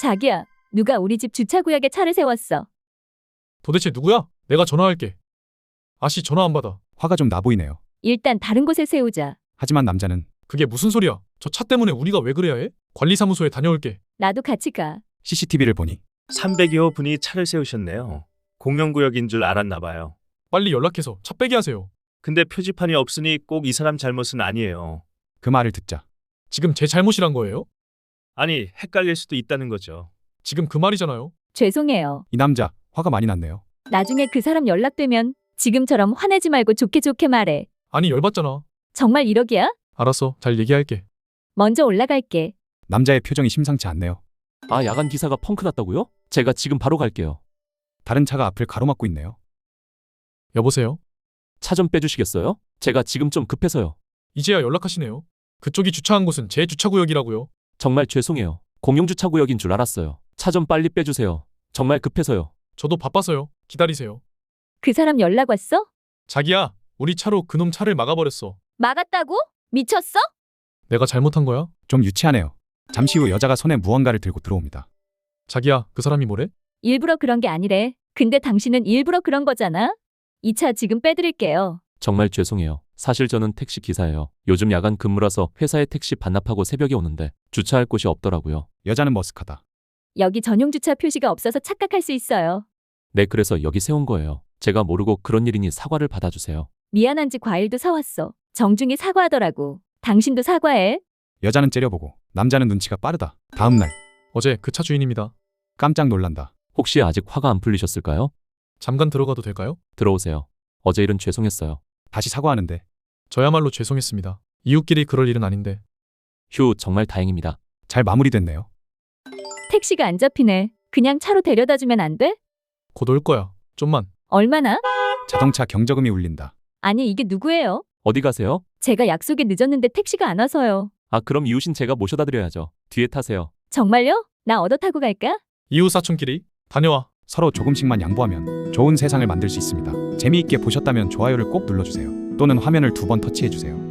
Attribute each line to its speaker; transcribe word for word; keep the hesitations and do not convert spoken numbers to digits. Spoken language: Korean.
Speaker 1: 자기야, 누가 우리 집 주차구역에 차를 세웠어.
Speaker 2: 도대체 누구야? 내가 전화할게. 아씨 전화 안 받아.
Speaker 3: 화가 좀 나 보이네요.
Speaker 1: 일단 다른 곳에 세우자.
Speaker 3: 하지만 남자는
Speaker 2: 그게 무슨 소리야? 저 차 때문에 우리가 왜 그래야 해? 관리사무소에 다녀올게.
Speaker 1: 나도 같이 가.
Speaker 3: 씨씨티비를 보니
Speaker 4: 삼백여 분이 차를 세우셨네요. 공영구역인 줄 알았나 봐요.
Speaker 2: 빨리 연락해서 차 빼게 하세요.
Speaker 4: 근데 표지판이 없으니 꼭 이 사람 잘못은 아니에요.
Speaker 3: 그 말을 듣자
Speaker 2: 지금 제 잘못이란 거예요?
Speaker 4: 아니, 헷갈릴 수도 있다는 거죠.
Speaker 2: 지금 그 말이잖아요.
Speaker 1: 죄송해요.
Speaker 3: 이 남자 화가 많이 났네요.
Speaker 1: 나중에 그 사람 연락되면 지금처럼 화내지 말고 좋게 좋게 말해.
Speaker 2: 아니 열받잖아.
Speaker 1: 정말 이러기야?
Speaker 2: 알았어. 잘 얘기할게.
Speaker 1: 먼저 올라갈게.
Speaker 3: 남자의 표정이 심상치 않네요.
Speaker 5: 아, 야간 기사가 펑크 났다고요? 제가 지금 바로 갈게요.
Speaker 3: 다른 차가 앞을 가로막고 있네요.
Speaker 2: 여보세요?
Speaker 5: 차 좀 빼주시겠어요? 제가 지금 좀 급해서요.
Speaker 2: 이제야 연락하시네요. 그쪽이 주차한 곳은 제 주차구역이라고요.
Speaker 5: 정말 죄송해요. 공용주차구역인 줄 알았어요. 차 좀 빨리 빼주세요. 정말 급해서요.
Speaker 2: 저도 바빠서요. 기다리세요.
Speaker 1: 그 사람 연락 왔어?
Speaker 2: 자기야, 우리 차로 그놈 차를 막아버렸어.
Speaker 1: 막았다고? 미쳤어?
Speaker 2: 내가 잘못한 거야?
Speaker 3: 좀 유치하네요. 잠시 후 여자가 손에 무언가를 들고 들어옵니다.
Speaker 2: 자기야, 그 사람이 뭐래?
Speaker 1: 일부러 그런 게 아니래. 근데 당신은 일부러 그런 거잖아. 이 차 지금 빼드릴게요.
Speaker 5: 정말 죄송해요. 사실 저는 택시 기사예요. 요즘 야간 근무라서 회사에 택시 반납하고 새벽에 오는데 주차할 곳이 없더라고요.
Speaker 3: 여자는 머쓱하다.
Speaker 1: 여기 전용 주차 표시가 없어서 착각할 수 있어요.
Speaker 5: 네, 그래서 여기 세운 거예요. 제가 모르고 그런 일이니 사과를 받아주세요.
Speaker 1: 미안한지 과일도 사왔어. 정중히 사과하더라고. 당신도 사과해.
Speaker 3: 여자는 째려보고 남자는 눈치가 빠르다. 다음 날
Speaker 2: 어제 그 차 주인입니다.
Speaker 3: 깜짝 놀란다.
Speaker 5: 혹시 아직 화가 안 풀리셨을까요?
Speaker 2: 잠깐 들어가도 될까요?
Speaker 5: 들어오세요. 어제 일은 죄송했어요.
Speaker 3: 다시 사과하는데
Speaker 2: 저야말로 죄송했습니다. 이웃끼리 그럴 일은 아닌데.
Speaker 5: 휴, 정말 다행입니다.
Speaker 3: 잘 마무리됐네요.
Speaker 1: 택시가 안 잡히네. 그냥 차로 데려다 주면 안 돼?
Speaker 2: 곧 올 거야. 좀만.
Speaker 1: 얼마나?
Speaker 3: 자동차 경적음이 울린다.
Speaker 1: 아니, 이게 누구예요?
Speaker 5: 어디 가세요?
Speaker 1: 제가 약속에 늦었는데 택시가 안 와서요.
Speaker 5: 아, 그럼 이웃인 제가 모셔다 드려야죠. 뒤에 타세요.
Speaker 1: 정말요? 나 얻어 타고 갈까?
Speaker 2: 이웃 사촌끼리 다녀와.
Speaker 3: 서로 조금씩만 양보하면 좋은 세상을 만들 수 있습니다. 재미있게 보셨다면 좋아요를 꼭 눌러주세요. 또는 화면을 두 번 터치해주세요.